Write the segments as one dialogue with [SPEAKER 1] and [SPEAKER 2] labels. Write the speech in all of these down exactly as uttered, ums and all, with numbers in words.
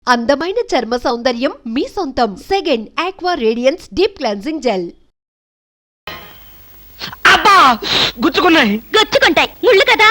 [SPEAKER 1] అందమైన చర్మ సౌందర్యం మీ సొంతం. Second aqua radiance deep cleansing gel.
[SPEAKER 2] అబ్బా గుచ్చుకున్నాయి.
[SPEAKER 3] గుచ్చుకుంటాయి, ముళ్ళు కదా.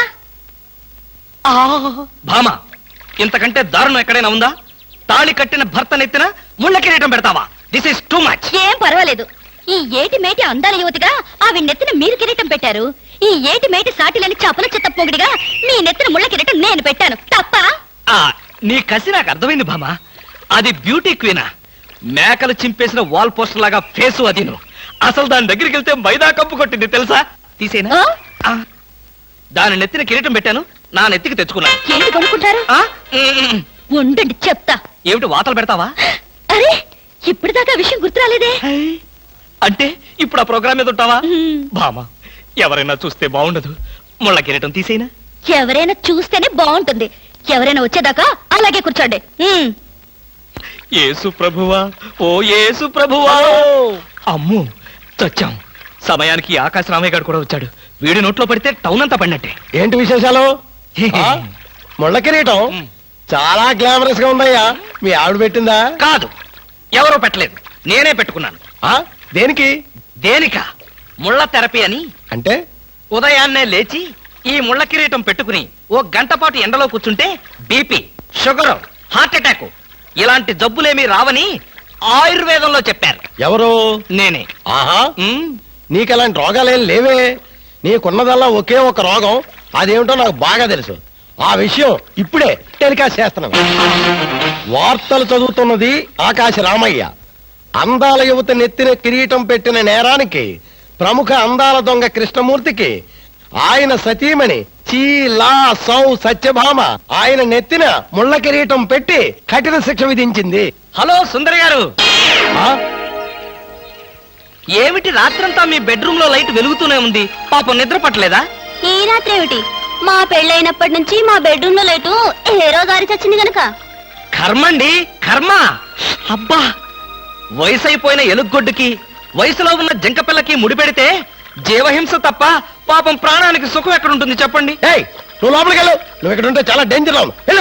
[SPEAKER 2] భామ, ఇంతకంటే దారుణం ఎక్కడైనా ఉందా? తాళి కట్టిన భర్త నెత్తిన ముళ్ళ కిరీటం పెడతావా? This is too much.
[SPEAKER 3] ఏం పర్వాలేదు. ఈ ఏటి మేటి అందాల యువతిగా అవి నెత్తిన మీరు కిరీటం పెట్టారు. ఈ ఏటి మేటి సాటిలని చపల చెత్త పొగిడిగా మీ నెత్తిన ముళ్ళ కిరీటం నేను పెట్టాను. తప్ప?
[SPEAKER 2] నీ కసి నాకు అర్థమైంది భామ. అది బ్యూటీ క్వీనా? మేకలు చింపేసిన వాల్ పోస్టర్ లాగా ఫేసు అది. అసలు దాని దగ్గరికి వెళ్తే మైదా కప్పు కొట్టింది తెలుసా? తీసేనా? దాని నెత్తిన కిరీటం పెట్టాను, నా నెత్తికి తెచ్చుకున్నాను.
[SPEAKER 3] ఏంటి కొనుక్కుంటారు? ఉండండి చెప్తా.
[SPEAKER 2] ఏమిటి వాతలు పెడతావా?
[SPEAKER 3] అరే ఇప్పటిదాకా విషయం గుర్తురాలేదే.
[SPEAKER 2] అంటే ఇప్పుడు ఆ ప్రోగ్రామ్ మీద ఉంటావా? భామ, ఎవరైనా చూస్తే బాగుండదు. ముళ్ళ కిరీటం తీసేనా?
[SPEAKER 3] ఎవరైనా చూస్తేనే బాగుంటుంది. ఎవరైనా వచ్చేదాకా అలాగే కూర్చోండి.
[SPEAKER 2] యేసు ప్రభువా, ఓ యేసు ప్రభువా. అమ్మో చచ్చాం. సమయానికి ఆకాశ రామయ్య గారు కూడా వచ్చాడు. వీడి నోట్లో పడితే టౌన్ అంతా పడినట్టే.
[SPEAKER 4] ఏంటి విశేషాలు? ముళ్ళ కిరీటం చాలా గ్లామరస్ గా ఉందయ్యా. మీ ఆవిడ పెట్టిందా?
[SPEAKER 2] కాదు, ఎవరో పెట్టలేదు, నేనే పెట్టుకున్నాను.
[SPEAKER 4] దేనికి?
[SPEAKER 2] దేనికా? ముళ్ళ థెరపీ అని.
[SPEAKER 4] అంటే
[SPEAKER 2] ఉదయాన్నే లేచి ఈ ముళ్ళ కిరీటం పెట్టుకుని ఓ గంట పాటు ఎండలో కూర్చుంటే బీపీ, షుగర్, హార్ట్ అటాక్ ఇలాంటి జబ్బులేమీ రావని ఆయుర్వేదంలో చెప్పారు.
[SPEAKER 4] ఎవరు?
[SPEAKER 2] నేనే.
[SPEAKER 4] ఆహా, నీకు అలాంటి రోగాలేం లేవే. నీకున్నదల్లా ఒకే ఒక రోగం. అదేమిటో నాకు బాగా తెలుసు. ఆ విషయం ఇప్పుడే టెలికాస్ట్ చేస్తున్నాను. వార్తలు చదువుతున్నది ఆకాశ రామయ్య. అందాల యువత నెత్తిన కిరీటం పెట్టిన నేరానికి ప్రముఖ అందాల దొంగ కృష్ణమూర్తికి ఆయన సతీమణి చీలా సౌ సత్యభామ ఆయన నెత్తిన ముళ్ళ కిరీటం పెట్టి కఠిన శిక్ష విధించింది.
[SPEAKER 2] హలో సుందరి గారు, ఏమిటి రాత్రంతా మీ బెడ్రూమ్ లో లైట్ వెలుగుతూనే ఉంది? పాపం నిద్ర పట్టలేదా?
[SPEAKER 3] ఈ రాత్రి ఏమిటి? మా పెళ్ళైనప్పటి నుంచి మా బెడ్రూమ్ లో లైటు ఏ రోజు ఆరి చచ్చింది గనక.
[SPEAKER 2] కర్మండి కర్మ. అబ్బా, వయసు అయిపోయిన ఎలుగొడ్డుకి వయసులో ఉన్న జంక పిల్లకి ముడిపెడితే జీవహింస తప్ప పాపం ప్రాణానికి సుఖం ఎక్కడుంటుంది చెప్పండి?
[SPEAKER 4] ఏయ్, నువ్వు లోపలికి వెళ్ళు. నువ్వు ఇక్కడ ఉంటే చాలా డేంజర్.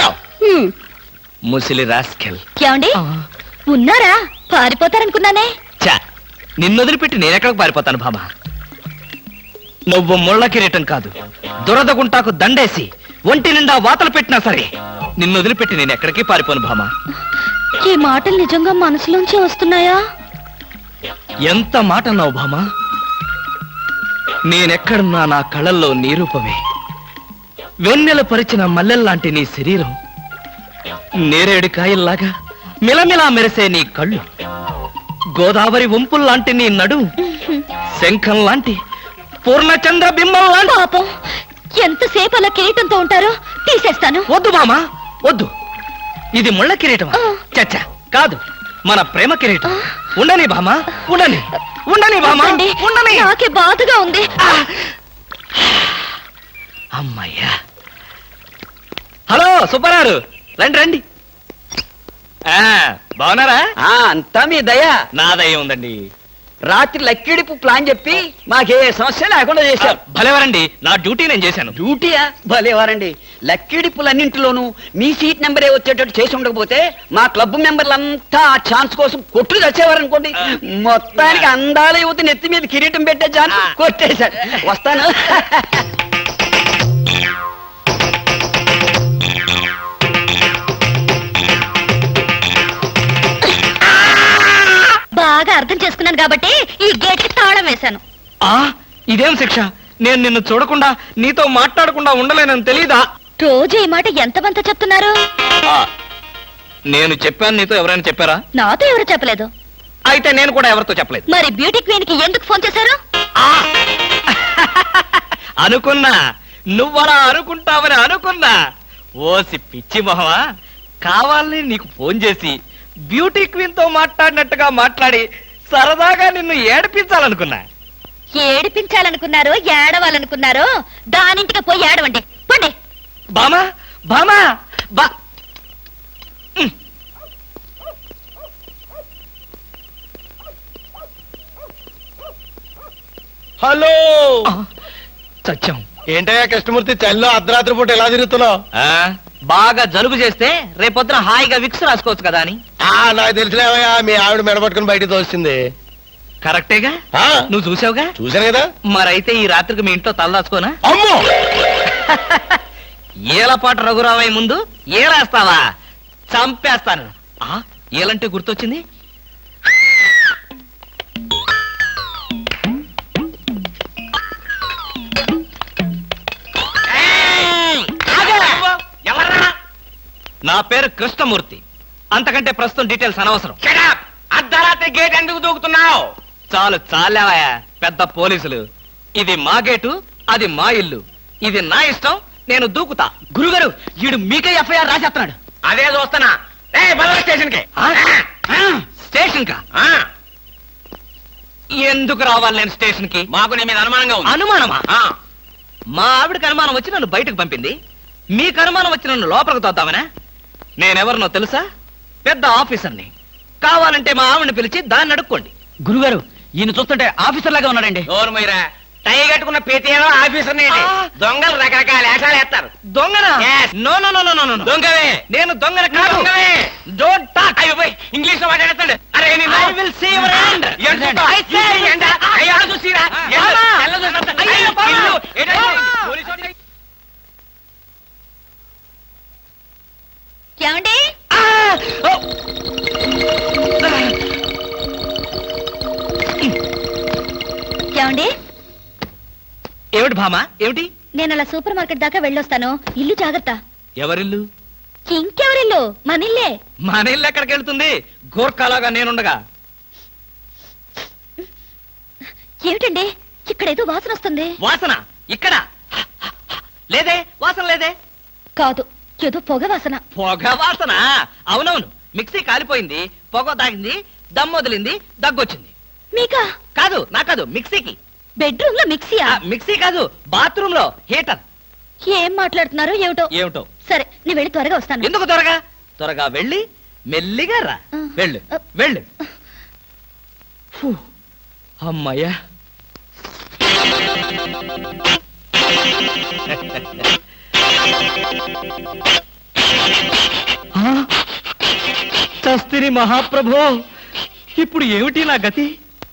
[SPEAKER 2] ముసిలి రాస్కెల్.
[SPEAKER 3] ఏమండి ఉన్నారా? పారిపోతారనుకున్నానే.
[SPEAKER 2] చా, నిన్నొదిలిపెట్టి నేనెక్కడికి పారిపోతాను భామ? నువ్వు ముళ్ళ కిరీటం కాదు, దురద గుంటాకు దండేసి ఒంటి నిండా వాతలు పెట్టినా సరే నిన్నొదిలిపెట్టి నేను ఎక్కడికి పారిపోను భామ.
[SPEAKER 3] ఈ మాటలు నిజంగా మనసులోంచి వస్తున్నాయా?
[SPEAKER 2] ఎంత మాట అన్నావు భామ. నేనెక్కడున్నా నా కళ్ళల్లో నీ రూపమే. వెన్నెల పరిచిన మల్లెల్లాంటి నీ శరీరం, నేరేడు కాయల్లాగా మిలమిలా మెరిసే నీ కళ్ళు, గోదావరి వంపుల్లాంటి నీ నడు, శంఖం లాంటి పూర్ణచంద్ర బింబం లాంటి.
[SPEAKER 3] పాపం, ఎంతసేపు అలా కిరీటంతో ఉంటారో తీసేస్తాను.
[SPEAKER 2] వద్దు మామా వద్దు. ఇది ముళ్ళ కిరీటమా? చచ్చా, కాదు, మన ప్రేమ కిరీటం. ఉండని భామా, ఉండని ఉండని భామా, ఉండని.
[SPEAKER 3] నాకే బాధగా ఉంది.
[SPEAKER 2] అమ్మయ్యా. హలో సుబ్బారావు, రండి రండి. బాగున్నారా?
[SPEAKER 5] అంతా మీ దయ.
[SPEAKER 2] నా దయ ఉందండి.
[SPEAKER 5] రాత్రి లక్కిడిపు ప్లాన్ చెప్పి మాకే సమస్య లేకుండా చేశారు.
[SPEAKER 2] భలేవారండి, నా డ్యూటీ నేను చేశాను.
[SPEAKER 5] డ్యూటీయా? భలేవారండి. లక్కిడిపులన్నింటిలోనూ మీ సీట్ నెంబరే వచ్చేటట్టు చేసి ఉండకపోతే మా క్లబ్ మెంబర్లంతా ఆ ఛాన్స్ కోసం కొట్టుకు తెచ్చేవారనుకోండి. మొత్తానికి అందాల యువత నెత్తి మీద కిరీటం పెట్టే ఛాన్స్ కొట్టేశారు. వస్తాను.
[SPEAKER 3] బాగా అర్థం చేసుకున్నాను కాబట్టి ఈ గేట్ కి తాళం వేశాను.
[SPEAKER 2] ఆ ఇదేం శిక్ష? నేను నిన్ను చూడకుండా నీతో మాట్లాడకుండా ఉండలేనని తెలీదా?
[SPEAKER 3] రోజు ఈ మాట ఎంతమంత చెప్తున్నారు?
[SPEAKER 2] నేను చెప్పాను, నీతో ఎవరైనా చెప్పారా?
[SPEAKER 3] నాతో ఎవరు చెప్పలేదు.
[SPEAKER 2] అయితే నేను కూడా ఎవరితో చెప్పలేదు.
[SPEAKER 3] మరి బ్యూటీ క్వీన్ కి ఎందుకు ఫోన్ చేశారు?
[SPEAKER 2] అనుకున్నా నువ్వలా అనుకుంటావని అనుకున్నా. ఓసి పిచ్చి మొహమా, కావాలని నీకు ఫోన్ చేసి బ్యూటీ క్వీన్ తో మాట్లాడినట్టుగా మాట్లాడి సరదాగా నిన్ను ఏడిపించాలనుకున్నా.
[SPEAKER 3] ఏడిపించాలనుకున్నారో ఏడవాలనుకున్నారో దానింటికి పోయి ఏడవండి. పండి.
[SPEAKER 2] బామా బామా బా.
[SPEAKER 4] హలో,
[SPEAKER 2] చచ్చాం.
[SPEAKER 4] ఏంటయ్యా కృష్ణమూర్తి, చల్లో అర్ధరాత్రి పూట ఎలా తిరుగుతున్నావు?
[SPEAKER 2] బాగా జలుబు చేస్తే రేపొద్దున హాయిగా విక్స్ రాసుకోవచ్చు కదా అని.
[SPEAKER 4] ఆ నాకు తెలిసినవయ్యా మీ ఆవిడ మెడపట్టుకుని బయటకు తోస్తుంది.
[SPEAKER 2] కరెక్టేగా,
[SPEAKER 4] ఆ,
[SPEAKER 2] నువ్వు చూసావుగా.
[SPEAKER 4] చూశాను కదా.
[SPEAKER 2] మరైతే ఈ రాత్రికి మీ ఇంట్లో తలదాచుకోనా?
[SPEAKER 4] అమ్మో
[SPEAKER 2] ఏలపాటు రఘురామయ్య ముందు ఏలేస్తావా? చంపేస్తాను. ఆ ఏలంటే గుర్తొచ్చింది. నా పేరు కృష్ణమూర్తి. అంతకంటే ప్రస్తుతం డీటెయిల్స్ అనవసరం.
[SPEAKER 5] అర్ధరాత్రి గేట్ ఎందుకు దూకుతున్నావు?
[SPEAKER 2] చాలు చాలావయ్యా, పెద్ద పోలీసులు. ఇది మా గేటు, అది మా ఇల్లు. ఇది నా ఇష్టం, నేను దూకుతా.
[SPEAKER 5] గురుగారు వీడు మీకే ఎఫ్ఐఆర్ రాసేస్తున్నాడు. అదే చూస్తున్నా. స్టేషన్ కి
[SPEAKER 2] స్టేషన్ కా? ఎందుకు రావాలి నేను స్టేషన్ కి?
[SPEAKER 5] మాకు నీ మీద అనుమానంగా ఉంది.
[SPEAKER 2] అనుమానమా? మా ఆవిడకి అనుమానం వచ్చి నన్ను బయటకు పంపింది. మీకు అనుమానం వచ్చి నన్ను లోపలికి తోద్దామనా? నేనెవరినో తెలుసా? పెద్ద ఆఫీసర్ని. కావాలంటే మా ఆవిడని పిలిచి దాన్ని అడుక్కోండి.
[SPEAKER 5] గురుగారు ఈయన చూస్తుంటే ఆఫీసర్ లాగా ఉన్నాడండి. నోరు మీరా, టై కట్టుకున్న ప్రతి ఆఫీసర్ దొంగలు రకరకాల వేషాలు వేస్తారు.
[SPEAKER 2] దొంగనా?
[SPEAKER 5] Yes.
[SPEAKER 2] No no no no no no.
[SPEAKER 5] దొంగవే.
[SPEAKER 2] నేను దొంగన కాదు.
[SPEAKER 5] దొంగవే.
[SPEAKER 2] Don't talk.
[SPEAKER 5] అయ్యో పోయ్, ఇంగ్లీష్ లో మాట్లాడతాడు. అరే
[SPEAKER 2] I will see your hand. I say.
[SPEAKER 5] చూసిరా
[SPEAKER 2] బామా. అయ్యో, బామా.
[SPEAKER 3] ఏమండి? ఏమండి?
[SPEAKER 2] ఏమిటి భామా, ఏమిటి?
[SPEAKER 3] నేను అలా సూపర్ మార్కెట్ దాకా వెళ్ళొస్తాను. ఇల్లు జాగ్రత్త.
[SPEAKER 2] ఎవరిల్లు?
[SPEAKER 3] ఇంకెవరిల్లు? మనిల్లే.
[SPEAKER 2] మన ఇల్లు ఎక్కడికి వెళ్తుంది? గోర్ఖాలాగా నేనుండగా.
[SPEAKER 3] ఏమిటండి ఇక్కడ ఏదో వాసన వస్తుంది?
[SPEAKER 2] వాసన ఇక్కడ లేదే, వాసన లేదే.
[SPEAKER 3] కాదు, ఏదో పొగ వాసన.
[SPEAKER 2] పొగ వాసన? అవునవును, మిక్సీ కాలిపోయింది, పొగ తాగింది, దమ్ వదిలింది, దగ్గొచ్చింది.
[SPEAKER 3] మీకా?
[SPEAKER 2] కాదు, నా కాదు, మిక్సీకి.
[SPEAKER 3] బెడ్రూమ్ లో మిక్సీయా?
[SPEAKER 2] ఆ, మిక్సీ కాదు, బాత్రూమ్ లో హీటర్.
[SPEAKER 3] ఏం మాట్లాడుతున్నారు ఏమిటో?
[SPEAKER 2] ఏమిటో?
[SPEAKER 3] సరే, నీ వెళ్ళి త్వరగా వస్తాను.
[SPEAKER 2] ఎందుకు త్వరగా? త్వరగా వెళ్ళి మెల్లిగా రా.
[SPEAKER 3] ఆ.
[SPEAKER 2] వెళ్ళు వెళ్ళు. ఫు, అమ్మయ్యా. ఆ, చస్తిని మహాప్రభో, ఇప్పుడు ఏమిటి నా గతి?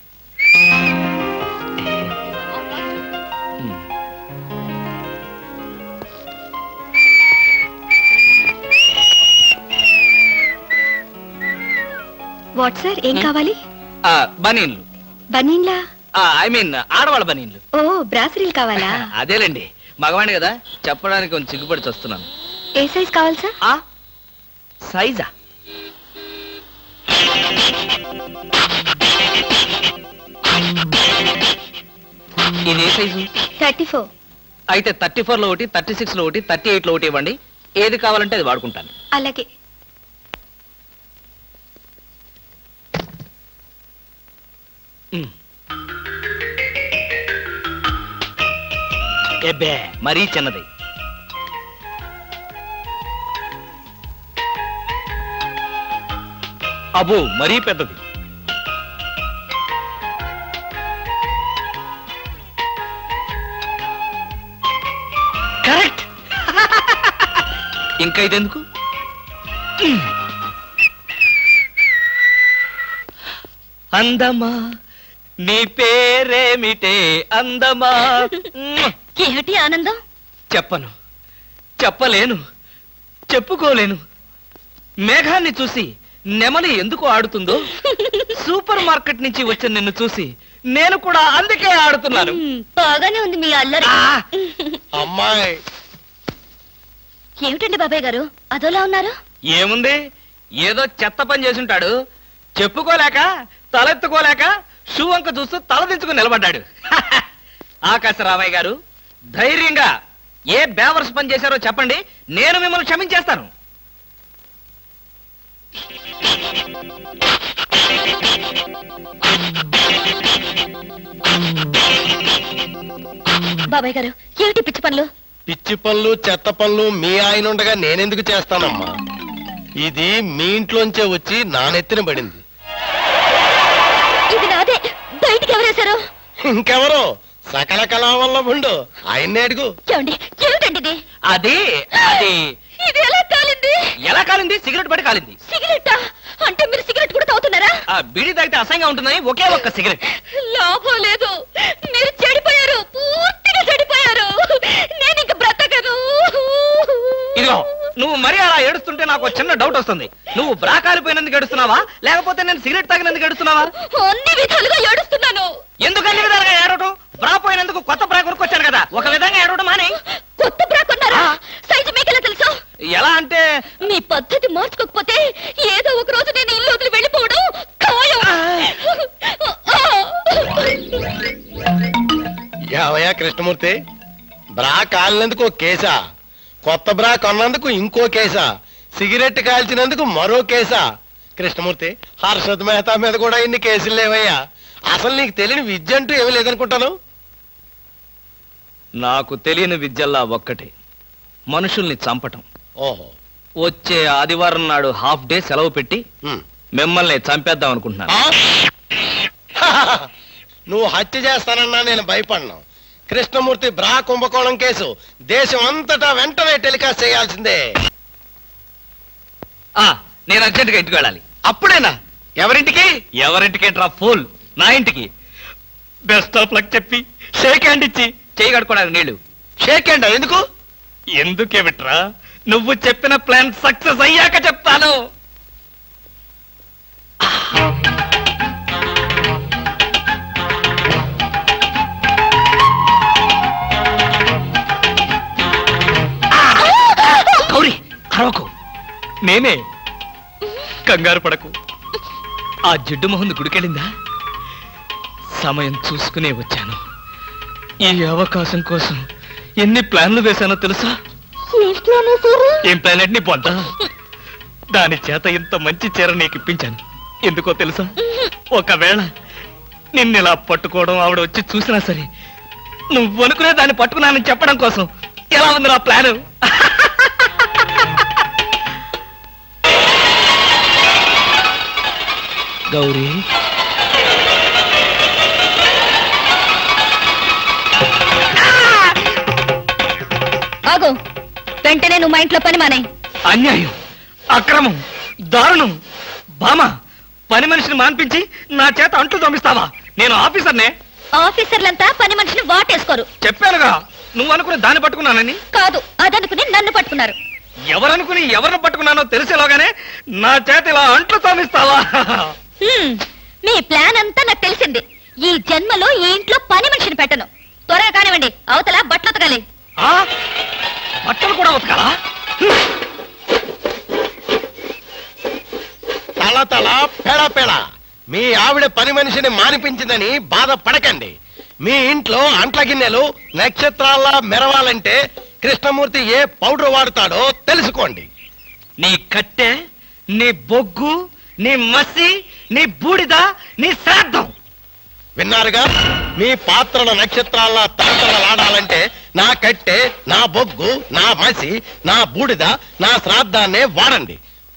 [SPEAKER 3] వాట్ సార్, ఏం కావాలి?
[SPEAKER 2] ఆ, బనీన్లు.
[SPEAKER 3] బనీన్లా?
[SPEAKER 2] ఐ మీన్ ఆడవాళ్ళ బనీన్లు.
[SPEAKER 3] ఓ, బ్రాసరీలు కావాలా?
[SPEAKER 2] అదేలేండి, మగవాణి కదా, చెప్పడానికి కొంచెం సిగ్గుపడి వస్తున్నాను.
[SPEAKER 3] ఏ సైజ్ కావాలి సార్?
[SPEAKER 2] ఆ సైజా? ఇది ఏ సైజు?
[SPEAKER 3] Thirty four.
[SPEAKER 2] అయితే థర్టీ ఫోర్ లో ఒకటి, థర్టీ సిక్స్ లో ఒకటి, థర్టీ ఎయిట్ లో ఒకటి ఇవ్వండి. ఏది కావాలంటే అది వాడుకుంటాను.
[SPEAKER 3] అలాగే.
[SPEAKER 2] ఉమ్. ఎబ్బే, మరీ చిన్నది. అబ్బో, మరీ పెద్దది. కరెక్ట్. ఇంకా ఇదెందుకు? అందమా, నీ పేరేమిటే అందమా?
[SPEAKER 3] ఏమిటి ఆనందం?
[SPEAKER 2] చెప్పను, చెప్పలేను, చెప్పుకోలేను. మేఘాన్ని చూసి నెమలి ఎందుకు ఆడుతుందో, సూపర్ మార్కెట్ నుంచి వచ్చిన నిన్ను చూసి నేను కూడా అందుకే ఆడుతున్నాను.
[SPEAKER 3] మ్, బాగానే ఉంది మీ అల్లరి.
[SPEAKER 2] ఆ!
[SPEAKER 4] అమ్మాయి
[SPEAKER 3] ఏమిటండి బాబాయ్ గారు అదోలా ఉన్నారు?
[SPEAKER 2] ఏముంది, ఏదో చెత్త పని చేసుంటాడు. చెప్పుకోలేక, తలెత్తుకోలేక షూ వంక చూస్తూ తలదించుకుని నిలబడ్డాడు. ఆకాశరామయ్య గారు, ధైర్యంగా ఏ బేవర్స్ పని చేశారో చెప్పండి, నేను మిమ్మల్ని క్షమించేస్తాను.
[SPEAKER 3] బాబాయ్ గారు, ఏమిటి పిచ్చి పనులు?
[SPEAKER 4] పిచ్చి పనులు చెత్త పనులు మీ ఆయన ఉండగా నేనెందుకు చేస్తానమ్మా? ఇది మీ ఇంట్లోంచే వచ్చి నా నెత్తిన పడింది.
[SPEAKER 3] ఇది నాదే, బయటికి ఎవరేశారు?
[SPEAKER 4] ఇంకెవరో సకల కళా వల్ల ఉండు ఆయన్నే అడుగు.
[SPEAKER 3] ఏమండి, ఏమిటండి ఇది?
[SPEAKER 2] అది అది
[SPEAKER 3] ఇది ఎలా కాలింది?
[SPEAKER 2] ఎలా కాలింది? సిగరెట్ పడి కాలింది.
[SPEAKER 3] సిగరెట్టా? అంటే మీరు సిగరెట్ కూడా తాగుతున్నారా?
[SPEAKER 2] ఆ బీడీ తాగితే అసహ్యంగా ఉంటుందని ఒకే ఒక్క సిగరెట్.
[SPEAKER 3] లాభం లేదు, మీరు చెడిపోయారు, పూర్తిగా చెడిపోయారు. నేను ఇంక బ్రతకను.
[SPEAKER 2] ఇదిగో నువ్వు మరీ అలా ఏడుస్తుంటే నాకు ఒక చిన్న డౌట్ వస్తుంది. నువ్వు బ్రా కాలిపోయినందుకు ఏడుస్తున్నావా, లేకపోతే నేను సిగరెట్ తాగినందుకు ఏడుస్తున్నావా?
[SPEAKER 3] అన్ని విధాలుగా ఏడుస్తున్నాను.
[SPEAKER 2] ఎందుకు అన్ని విధాలుగా ఏడవటం? బ్రా పోయినందుకు కొత్త బ్రా కొనుక్కొచ్చాను కదా, ఒక విధంగా ఏడవడం మానే.
[SPEAKER 3] కొత్త బ్రా కొన్నారా? సైజు మీకెలా తెలుసు?
[SPEAKER 2] ఎలా అంటే
[SPEAKER 3] మీ పద్ధతి మార్చుకోకపోతే ఏదో ఒక రోజు నేను ఇల్లు వదిలి వెళ్ళిపోవడం ఖాయం.
[SPEAKER 4] యావయ్యా కృష్ణమూర్తి, బ్రా కాలినందుకు ఒక కేసా, కొత్త బ్రా కొన్నందుకు ఇంకో కేసా, సిగరెట్ కాల్చినందుకు మరో కేసా? కృష్ణమూర్తి, హర్షద్ మెహతా మీద కూడా ఇన్ని కేసులు లేవయ్యా. అసలు నీకు తెలియని విద్య అంటూ ఏమీ లేదనుకుంటాను.
[SPEAKER 2] నాకు తెలియని విద్యల్లా ఒక్కటే, మనుషుల్ని చంపటం.
[SPEAKER 4] ఓహో.
[SPEAKER 2] వచ్చే ఆదివారం నాడు హాఫ్ డే సెలవు పెట్టి
[SPEAKER 4] ఉమ్.
[SPEAKER 2] మిమ్మల్ని చంపేద్దాం అనుకుంటున్నాను.
[SPEAKER 4] ఆ? నువ్వు హత్య చేస్తానన్నా నేను భయపడను. కృష్ణమూర్తి బ్రా కుంభకోణం కేసు దేశం అంతటా వెంటనే టెలికాస్ట్ చేయాల్సిందే.
[SPEAKER 2] ఆ నేను అర్జెంట్ గా ఇంటికి వెళ్ళాలి.
[SPEAKER 4] అప్పుడేనా? ఎవరింటికి?
[SPEAKER 2] ఎవరింటికి డ్రా ఫోల్, నా ఇంటికి. బెస్ట్ ఆఫ్ లక్ చెప్పి షేక్ హ్యాండ్ ఇచ్చి చేయి కడుకోవడానికి నీళ్లు.
[SPEAKER 4] షేక్ హ్యాండ్ ఎందుకు?
[SPEAKER 2] ఎందుకే విట్రా, నువ్వు చెప్పిన ప్లాన్ సక్సెస్ అయ్యాక చెప్తాను. గౌరీ అరవకు, నేనే. కంగారు పడకు. ఆ జిడ్డు మొహంది గుడికెళ్ళిందా? సమయం చూసుకునే వచ్చాను. ఈ అవకాశం కోసం ఎన్ని ప్లాన్లు వేశానో తెలుసా? ఏం ప్లాన్ అంటే నీ పొంత? దాని చేత ఇంత మంచి చీర నీకు ఇప్పించాను. ఎందుకో తెలుసా? ఒకవేళ నిన్నిలా పట్టుకోవడం ఆవిడ వచ్చి చూసినా సరే, నువ్వు అనుకునే దాన్ని పట్టుకున్నానని చెప్పడం కోసం. ఎలా ఉంది నా ప్లాను? గౌరీ,
[SPEAKER 3] ఆగు, వెంటనే నువ్వు మా ఇంట్లో పని మానే.
[SPEAKER 2] అన్యాయం, అక్రమం, దారుణం. బామ, పని మనిషిని మాన్పించి నా చేత అంట్లు తోమిస్తావా? నేను ఆఫీసర్నే.
[SPEAKER 3] ఆఫీసర్లంతా పని మనిషిని వాటేసుకోరు.
[SPEAKER 2] చెప్పానుగా, నువ్వు అనుకుని దాన్ని పట్టుకున్నానని.
[SPEAKER 3] కాదు, అదనుకుని నన్ను పట్టుకున్నారు.
[SPEAKER 2] ఎవరనుకుని ఎవరిని పట్టుకున్నానో తెలిసేలోగానే నా చేత ఇలా అంట్లు తోమిస్తావా?
[SPEAKER 3] హ్మ్, మీ ప్లాన్ అంతా నాకు తెలిసింది. ఈ జన్మలో ఈ ఇంట్లో పని మనిషిని పెట్టను. త్వరగా కానివ్వండి, అవతల బట్టలు ఉతకాలి.
[SPEAKER 2] ఆ? బట్టలు కూడా ఉతకాలా?
[SPEAKER 4] తల తల పెడ పెడ మీ ఆవిడ పని మనిషిని మానిపించిందని బాధపడకండి. మీ ఇంట్లో అంట్ల గిన్నెలు నక్షత్రాల్లా మెరవాలంటే కృష్ణమూర్తి ఏ పౌడర్ వాడతాడో తెలుసుకోండి.
[SPEAKER 2] నీ కట్టె, నీ బొగ్గు, నీ మసి, నీ బూడిద, నీ శ్రాద్ధం.
[SPEAKER 4] విన్నారుగా? మీ పాత్రల నక్షత్రాల్లా తలతలలాడాలంటే నా కట్టె, నా బొగ్గు, నా మసి, నా బూడిద, నా శ్రాద్ధాన్నే వాడండి.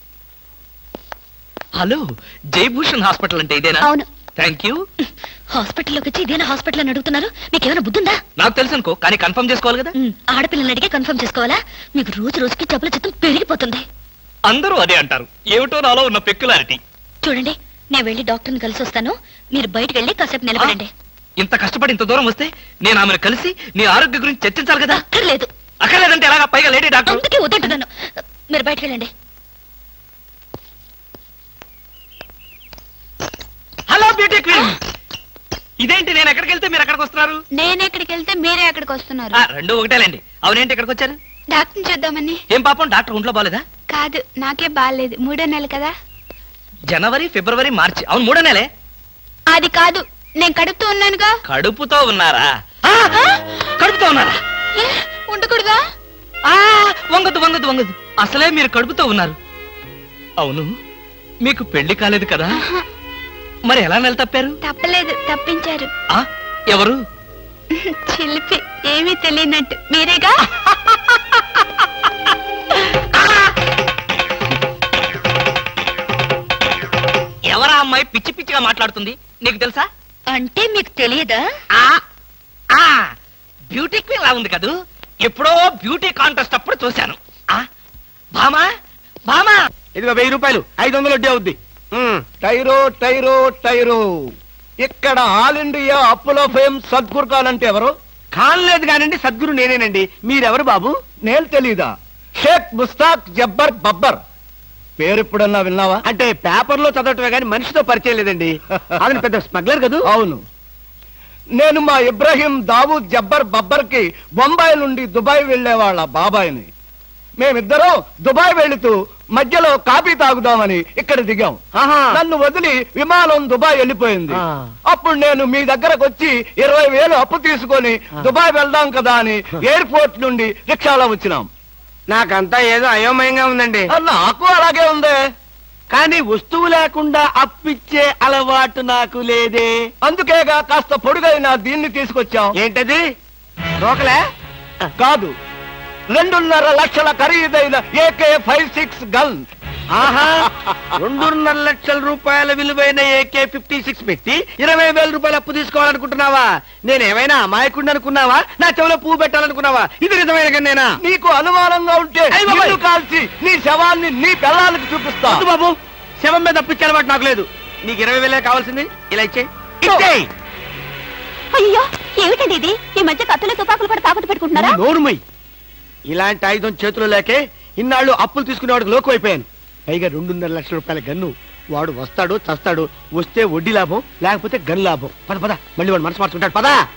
[SPEAKER 2] హలో, జయభూషణ్ హాస్పిటల్ అంటే ఇదేనా?
[SPEAKER 3] అవును.
[SPEAKER 2] Thank you.
[SPEAKER 3] హాస్పిటల్లోకి వచ్చి ఇదేనా హాస్పిటల్ అని అడుగుతున్నారు? మీకేమైనా బుద్ధుందా?
[SPEAKER 2] నాకు తెలుసు అనుకో, కానీ కన్ఫర్మ్ చేసుకోవాలి కదా.
[SPEAKER 3] ఉమ్, ఆడపిల్లల్ని అడిగే కన్ఫర్మ్ చేసుకోవాలా? మీకు రోజు రోజుకి జబ్బుల చిత్తం పెరిగిపోతుంది.
[SPEAKER 2] అందరూ అదే అంటారు. ఏమిటో నాలో ఉన్న పెక్యులారిటీ.
[SPEAKER 3] చూడండి, నేను వెళ్ళి డాక్టర్ని కలిసి వస్తాను. మీరు బయటకు వెళ్ళి కాసేపు నిలబడండి.
[SPEAKER 2] ఇంత కష్టపడి ఇంత దూరం వస్తే నేను ఆమెను కలిసి నీ ఆరోగ్య గురించి చర్చించాలి కదా.
[SPEAKER 3] అక్కర్లేదు.
[SPEAKER 2] అక్కర్లేదంటే ఎలాగా? పైగా లేడీ డాక్టర్.
[SPEAKER 3] అందుకే వద్దంటున్నాను. మీరు బయటకు వెళ్ళండి.
[SPEAKER 2] హలో బ్యూటీ క్వీన్, ఇదేంటి నేను ఎక్కడికి వెళ్తే మీరు ఎక్కడికి వస్తున్నారు?
[SPEAKER 6] నేను ఎక్కడికి వెళ్తే మీరే ఎక్కడికి వస్తున్నారు.
[SPEAKER 2] ఆ, రెండు ఒకటేలేండి. అవునేంటి ఎక్కడికి వచ్చారు?
[SPEAKER 6] డాక్టర్ చూద్దామని.
[SPEAKER 2] ఏం పాపం, డాక్టర్ ఒంట్లో బాలేదా?
[SPEAKER 6] కాదు, నాకే బాగాలేదు. మూడో నెల కదా.
[SPEAKER 2] జనవరి, ఫిబ్రవరి, మార్చి. అవును, మూడో నెలే.
[SPEAKER 6] అది కాదు, నేను కడుపుతూ ఉన్నానుగా.
[SPEAKER 2] కడుపుతో ఉన్నారా? ఆ, కడుపుతో ఉన్నారా?
[SPEAKER 6] ఏ, ఉండకూడదా?
[SPEAKER 2] ఆ, వంగదు వంగదు వంగదు. అసలే మీరు కడుపుతో ఉన్నారు. అవును, మీకు పెళ్లి కాలేదు కదా?
[SPEAKER 6] ఆహా,
[SPEAKER 2] మరి ఎలా నెల తప్పారు?
[SPEAKER 6] తప్పలేదు, తప్పించారు.
[SPEAKER 2] ఆ, ఎవరు?
[SPEAKER 6] చిలిపి, ఏమీ తెలియనట్టు. మీరేగా?
[SPEAKER 2] ఎవరా అమ్మాయి పిచ్చి పిచ్చిగా మాట్లాడుతుంది? నీకు తెలుసా?
[SPEAKER 3] అంటే మీకు తెలియదా?
[SPEAKER 2] ఆ, ఆ, బ్యూటీ క్వీన్ లా ఉంది కదూ. ఎప్పుడో బ్యూటీ కాంటెస్ట్ అప్పుడు చూశాను. ఆ, భామా భామా
[SPEAKER 4] ఇదిగో వెయ్యి రూపాయలు ఐదు వందలు వడ్డీ అవుద్ది టైరో టైరో టైరో ఇక్కడ ఆల్ ఇండియా అప్పులో ఫేమ్ సద్గురు ఖాన్ అంటే ఎవరు? ఖాన్ లేదు కానండి, సద్గురు నేనేనండి. మీరెవరు బాబు? నేను తెలీదా? షేక్ ముస్తాక్ జబ్బర్ బబ్బర్. పేరు ఎప్పుడన్నా విన్నావా? అంటే పేపర్ లో చదవటమే కానీ మనిషితో పరిచయం లేదండి. అతను పెద్ద స్మగ్లర్ కదా. అవును, నేను మా ఇబ్రహీం దావూద్ జబ్బర్ బబ్బర్ కి బొంబాయి నుండి దుబాయ్ వెళ్లే వాళ్ళ బాబాయిని. మేమిద్దరం దుబాయ్ వెళుతూ మధ్యలో కాఫీ తాగుదామని ఇక్కడ దిగాం. నన్ను వదిలి విమానం దుబాయ్ వెళ్ళిపోయింది. అప్పుడు నేను మీ దగ్గరకు వచ్చి ఇరవై వేలు అప్పు తీసుకొని దుబాయ్ వెళ్దాం కదా అని ఎయిర్పోర్ట్ నుండి రిక్షాలో వచ్చినాం. నాకంతా ఏదో అయోమయంగా ఉందండి. నాకు అలాగే ఉంది, కానీ వస్తువు లేకుండా అప్పిచ్చే అలవాటు నాకు లేదే. అందుకేగా కాస్త పొడుగైన దీన్ని తీసుకొచ్చాం. ఏంటది? రోకలే కాదు, రెండున్నర లక్షల ఖరీదైన ఏకే ఫైవ్ సిక్స్ గన్. ఆహా, రెండున్నర లక్షల రూపాయల విలువైన ఏకే ఫిఫ్టీ సిక్స్ పెట్టి ఇరవై వేల రూపాయలు అప్పు తీసుకోవాలనుకుంటున్నావా? నేనేమైనా అమాయకుడిని అనుకున్నావా? నా చెవిలో పువ్వు పెట్టాలనుకున్నావా? ఇది నిజమైన గన్నేనా? నీకు అనుమానంగా ఉంటే నిన్ను కాల్చి నీ శవాన్ని నీ పిల్లలకి చూపిస్తా. బాబు, శవం మీద అప్పిచ్చే అలవాటు నాకు లేదు. నీకు ఇరవై వేలే కావాల్సింది, ఇలా ఇచ్చే ఇచ్చేయ్.
[SPEAKER 3] అయ్యో ఏమిటండి ఇది? ఈ మధ్య కత్తులు తుపాకులు కూడా తాకట్టు పెట్టుకుంటున్నారా?
[SPEAKER 4] నోరుమై, ఇలాంటి ఆయుధం చేతిలో లేకే ఇన్నాళ్ళు అప్పులు తీసుకునేవాడికి లోకు అయిపోయాను. పైగా రెండున్నర లక్షల రూపాయల గన్ను. వాడు వస్తాడు చస్తాడు, వస్తే వడ్డీ లాభం, లేకపోతే గన్ లాభం. పద పద, మళ్ళీ వాడు మనసు మార్చుకుంటాడు. పదా.